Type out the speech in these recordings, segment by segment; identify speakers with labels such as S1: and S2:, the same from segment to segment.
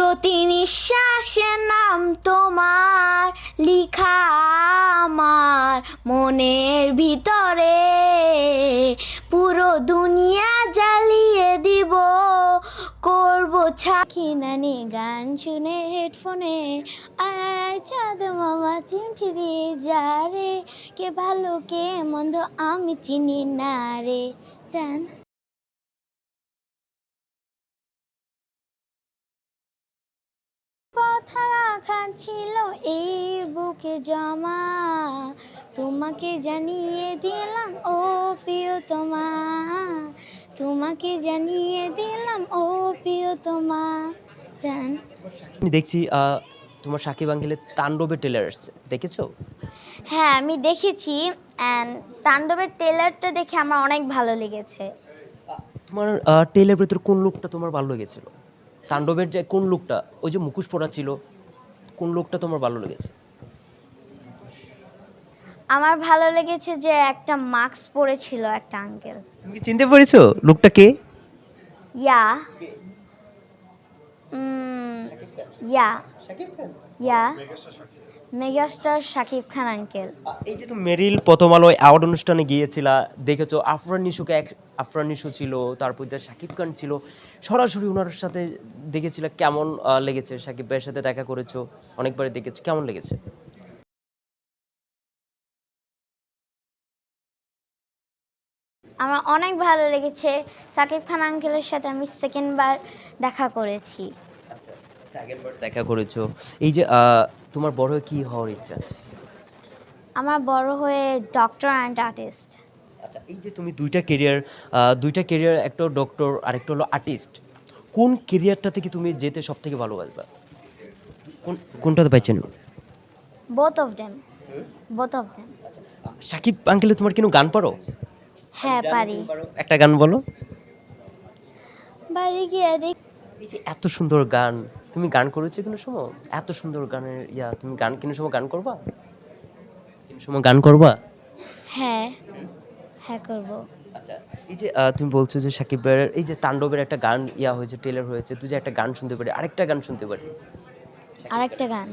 S1: প্রতি নিঃশ্বাসে নাম তোমার লিখা আমার মনের ভিতরে, পুরো দুনিয়া জ্বালিয়ে দিব, করব ছাকিনানি গান শুনে হেডফোনে, আয় চাঁদ মামা চিমঠি দিয়ে যা রে, কে ভালো কে মন্দ আমি চিনি না রে। টান কথা রাখা ছিল এই বুকে জমা, তোমাকে জানিয়ে দিলাম ও প্রিয়তমা, তোমাকে জানিয়ে দিলাম ও প্রিয়তমা। টান
S2: আমি দেখছি তোমার সাকিব আঙ্কেলের তাণ্ডবের ট্রেলার আসছে, দেখেছো?
S1: হ্যাঁ আমি দেখেছি, অ্যান্ড তাণ্ডবের ট্রেলারটা দেখে আমার অনেক ভালো লেগেছে।
S2: তোমার ট্রেলার ভেতর কোন লুকটা তোমার ভালো লেগেছিল? তাণ্ডবের যে কোন লুকটা, ওই যে মুখোশ পরা ছিল, কোন লুকটা তোমার ভালো লেগেছে?
S1: আমার ভালো লেগেছে যে একটা মাস্ক পরেছিল একটা আঙ্কেল।
S2: তুমি কি চিনতে পেরেছো লুকটা কে?
S1: Yeah yeah yeah megastar Shakib Khan uncle.
S2: এই যে তুমি মেরিল প্রথম আলো অ্যাওয়ার্ড অনুষ্ঠানে গিয়েছিলা, দেখেছো আফরান নিশোকে, আফরান নিশো ছিল, তারপর দিয়ে শাকিব খান ছিল, সরাসরি ওনার সাথে দেখেছিলা, কেমন লেগেছে? শাকিব ভাইয়ের সাথে দেখা করেছো, অনেকবার দেখেছো, কেমন লেগেছে?
S1: আমার অনেক ভালো লেগেছে। শাকিব খান আঙ্কেলের সাথে আমি সেকেন্ড বার দেখা করেছি।
S2: আচ্ছা, সেকেন্ড বার দেখা করেছো। এই যে তোমার বড় হয়ে কি হওয়ার ইচ্ছা?
S1: আমার বড় হয়ে ডক্টর অ্যান্ড আর্টিস্ট।
S2: আচ্ছা, এই যে তুমি দুইটা কেরিয়ার, একটা ডক্টর আর একটা হলো আর্টিস্ট, কোন কেরিয়ারটা থেকে তুমি যেতে সব থেকে ভালোবাসবা? কোনটাতে পাইছেন?
S1: Both of them, both of them.
S2: Shakib আঙ্কেলে তোমার কোনো গান পারো?
S1: হ্যাঁ পারি।
S2: একটা গান বলো।
S1: বাড়ি গিয়ে দেখ।
S2: এই যে এত সুন্দর গান, তুমি গান করেছো কোনো সময়? এত সুন্দর গানের তুমি গান কোনো সময় গান করবা? কোনো সময় গান করবা?
S1: হ্যাঁ হ্যাঁ করব।
S2: আচ্ছা, এই যে তুমি বলছো যে সাকিব ভাইয়ের এই যে তাণ্ডবের একটা গান হয়েছে, ট্রেলার হয়েছে, তুই যে একটা গান শুনতে পারি, আরেকটা গান শুনতে পারি।
S1: আরেকটা গান,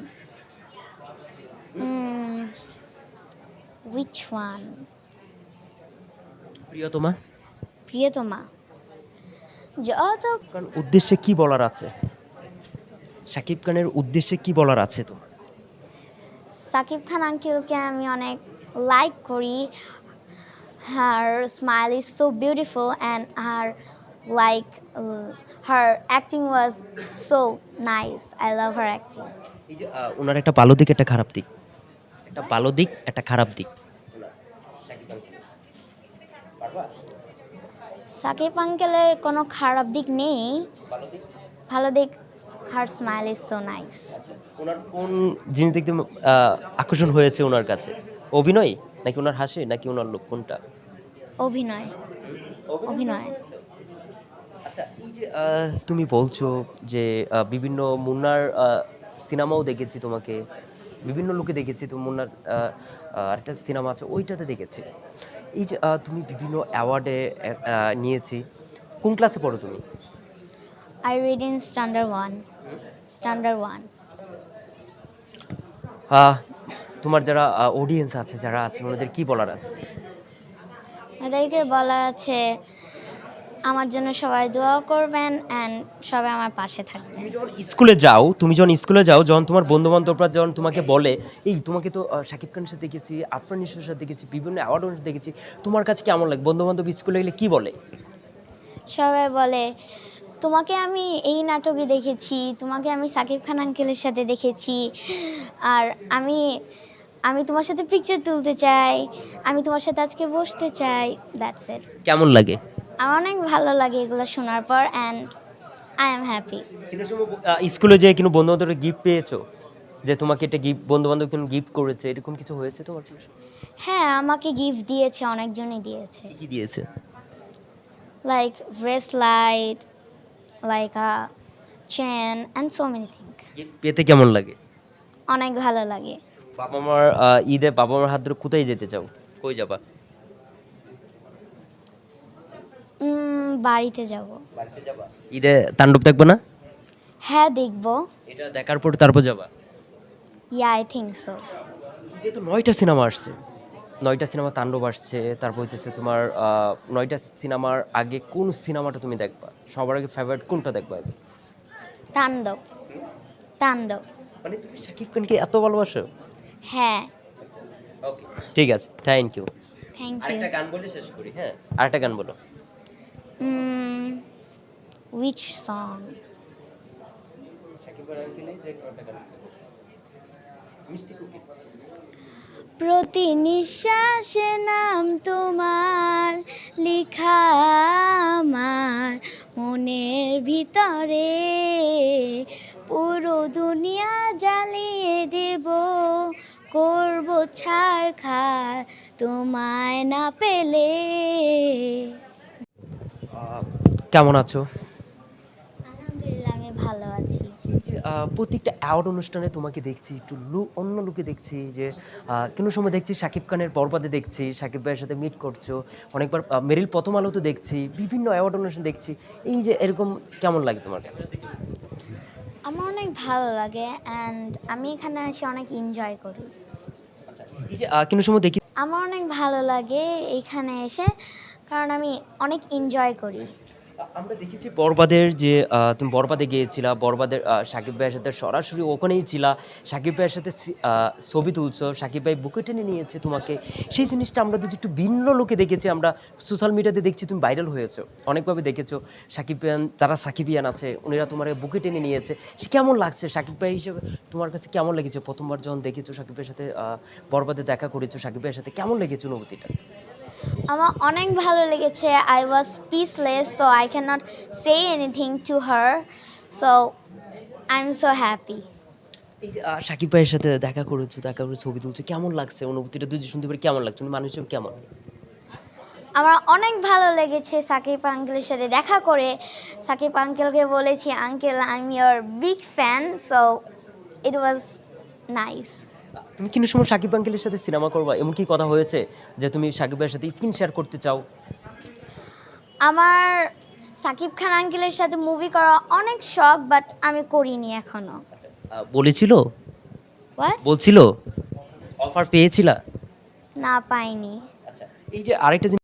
S1: উইচ ওয়ান?
S2: প্রিয়তমা।
S1: প্রিয়তমা। যত
S2: কারণ উদ্দেশ্যে কি বলার আছে? সাকিব খানের উদ্দেশ্যে কি বলার আছে তোমার?
S1: সাকিব খান আঙ্কেলকে আমি অনেক লাইক করি। Her smile is so beautiful and her like her acting was so nice. I love her acting.
S2: এই যে ওনার একটা ভালো দিক, একটা খারাপ দিক, একটা ভালো দিক, একটা খারাপ দিক। সাকিব আঙ্কেলের। পারবা?
S1: সাকিব আঙ্কেলের কোনো খারাপ দিক নেই,
S2: ভালো দিক?
S1: ভালো দিক her smile is so nice.
S2: ওনার কোন জিনিস দেখতে আকর্ষণ হয়েছে ওনার কাছে? অভিনয় নাকি ওনার হাসি নাকি ওনার লোক, কোনটা?
S1: অভিনয়, অভিনয়।
S2: আচ্ছা, এই যে তুমি বলছো যে বিভিন্ন মুন্নার সিনেমাও দেখেছি তোমাকে, বিভিন্ন লোকে দেখেছি, তো মুন্নার আরেকটা সিনেমা আছে ওইটাতে দেখেছি। এই যে তুমি বিভিন্ন অ্যাওয়ার্ডে নিয়েছি, কোন ক্লাসে পড়ো তুমি?
S1: I read in standard one, standard one.
S2: Ah, তোমার যারা অডিয়েন্স আছে, যারা আছে, ওনাদের কি বলার আছে?
S1: এদেরকে বলা আছে আমার জন্য সবাই দোয়া করবেন অ্যান্ড সবাই আমার পাশে থাকবেন।
S2: তুমি যখন স্কুলে যাও, যখন তোমার বন্ধু বান্ধবরা যখন তোমাকে বলে, এই তোমাকে তো শাকিব খানের সাথে দেখেছি, আফরান নিশোর সাথে দেখেছি, বিভিন্ন অ্যাওয়ার্ড অনুষ্ঠানে দেখেছি, তোমার কাছে কেমন লাগে? বন্ধু বান্ধব স্কুলে গেলে কি বলে?
S1: সবাই বলে তোমাকে আমি এই নাটকে দেখেছি, তোমাকে আমি সাকিব খান আঙ্কেলের সাথে দেখেছি, আর আমি আমি তোমার সাথে পিকচার তুলতে চাই, আমি তোমার সাথে আজকে বসতে চাই। That's it.
S2: কেমন লাগে?
S1: আমার অনেক ভালো লাগে এগুলো শোনার পর, অ্যান্ড আই এম হ্যাপি।
S2: স্কুলে যে কোনো বন্ধু বান্ধবের গিফট পেয়েছো, যে তোমাকে এটা গিফট, বন্ধু বান্ধব কোনো গিফট করেছে, এরকম কিছু হয়েছে তোমার?
S1: হ্যাঁ আমাকে গিফট দিয়েছে, অনেকজনই দিয়েছে,
S2: কি দিয়েছে?
S1: Like bracelet, like a chain and so many thing.
S2: Gift পেতে কেমন লাগে?
S1: অনেক ভালো লাগে।
S2: বাবা মার ঈদে বাবা মার হাত ধরে কোথায় যেতে চাও? কই যাবা?
S1: বাড়িতে যাব।
S2: বাড়িতে যাবা? ঈদে তাণ্ডব দেখবে না?
S1: হ্যাঁ, দেখবো।
S2: এটা দেখার পর তারপর যাবা?
S1: Yeah, I think so.
S2: ঈদে তো ৯টা সিনেমা আসছে। ৯টা সিনেমা তাণ্ডব আসছে। তারপর হইতেছে তোমার ৯টা সিনেমার আগে কোন সিনেমাটা তুমি দেখবা? সবার আগে ফেভারিট কোনটা দেখবা আগে?
S1: তাণ্ডব। তাণ্ডব।
S2: মানে তুমি শাকিব খানকে এত ভালোবাসো?
S1: হ্যাঁ।
S2: ওকে, ঠিক আছে। Thank you.
S1: Thank you.
S2: আরেকটা গান বলে শেষ করি, হ্যাঁ? আরেকটা গান বলো।
S1: Which song?
S2: শাকিব খান আঙ্কেলের যে একটা গান। মিষ্টি কুকি।
S1: প্রতি নিঃশ্বাসে নাম তোমার লিখা আমার মনের ভিতরে, পুরো দুনিয়া জ্বালিয়ে দেব, করব ছারখার তোমায় না পেলে।
S2: কেমন আছো?
S1: আলহামদুলিল্লাহ, আমি ভালো আছি।
S2: এই যে প্রত্যেকটা অ্যাওয়ার্ড অনুষ্ঠানে তোমাকে দেখছি একটু অন্য লুকে দেখছি যে কোনো সময় দেখছি শাকিব খানের বরবাদে দেখছি শাকিব ভাইয়ের সাথে মিট করছো অনেকবার মেরিল প্রথম আলোতে দেখছি বিভিন্ন অ্যাওয়ার্ড অনুষ্ঠান দেখছি এই যে এরকম কেমন লাগে তোমার কাছে?
S1: আমার অনেক ভালো লাগে অ্যান্ড আমি এখানে এসে অনেক এনজয় করি।
S2: আচ্ছা, এই যে কোনো সময় দেখি
S1: আমার অনেক ভালো লাগে এইখানে এসে, কারণ আমি অনেক এনজয় করি।
S2: আমরা দেখেছি বরবাদের যে তুমি বরবাদে গিয়েছিলা বরবাদের শাকিব ভাইয়ের সাথে সরাসরি ওখানেই ছিলা শাকিব ভাইয়ের সাথে ছবি তুলছো শাকিব ভাই বুকে টেনে নিয়েছে তোমাকে সেই জিনিসটা আমরা তো একটু ভিন্ন লোকে দেখেছি আমরা সোশ্যাল মিডিয়াতে দেখছি তুমি ভাইরাল হয়েছো অনেকভাবে দেখেছো শাকিব ভাইয়ান যারা সাকিবিয়ান আছে উনিরা তোমার বুকে টেনে নিয়েছে সে কেমন লাগছে শাকিব ভাই হিসেবে তোমার কাছে কেমন লেগেছে প্রথমবার যখন দেখেছো শাকিব ভাইয়ের সাথে বরবাদে দেখা করেছো শাকিব ভাইয়ের সাথে কেমন লেগেছে অনুভূতিটা?
S1: আমার অনেক ভালো লেগেছে। I was speechless, so I can not say anything to her, so I am so happy.
S2: এই যে শাকিব ভাইয়ের সাথে দেখা করেছো দেখা করে ছবি তুলছো কেমন লাগছে অনুভূতিটা যদি শুনতে পারি কেমন লাগছে উনি মানুষ হিসেবে কেমন?
S1: আমার অনেক ভালো লেগেছে সাকিব আঙ্কেলের সাথে দেখা করে। সাকিব আঙ্কেলকে বলেছি, uncle I am your big fan, so it was nice.
S2: তুমি কিন্তু সময় শাকিব আঙ্কেলের সাথে সিনেমা করবা এমন কি কথা হয়েছে যে তুমি শাকিব ভাইয়ের সাথে স্ক্রিন শেয়ার করতে চাও?
S1: আমার সাকিব খান আঙ্কেলের সাথে মুভি করা অনেক শখ, বাট আমি করিনি এখনো।
S2: বলেছিল
S1: হোয়াট?
S2: বলছিল অফার পেয়েছিলা?
S1: না, পাইনি।
S2: আচ্ছা, এই যে আরেকটা জিনিস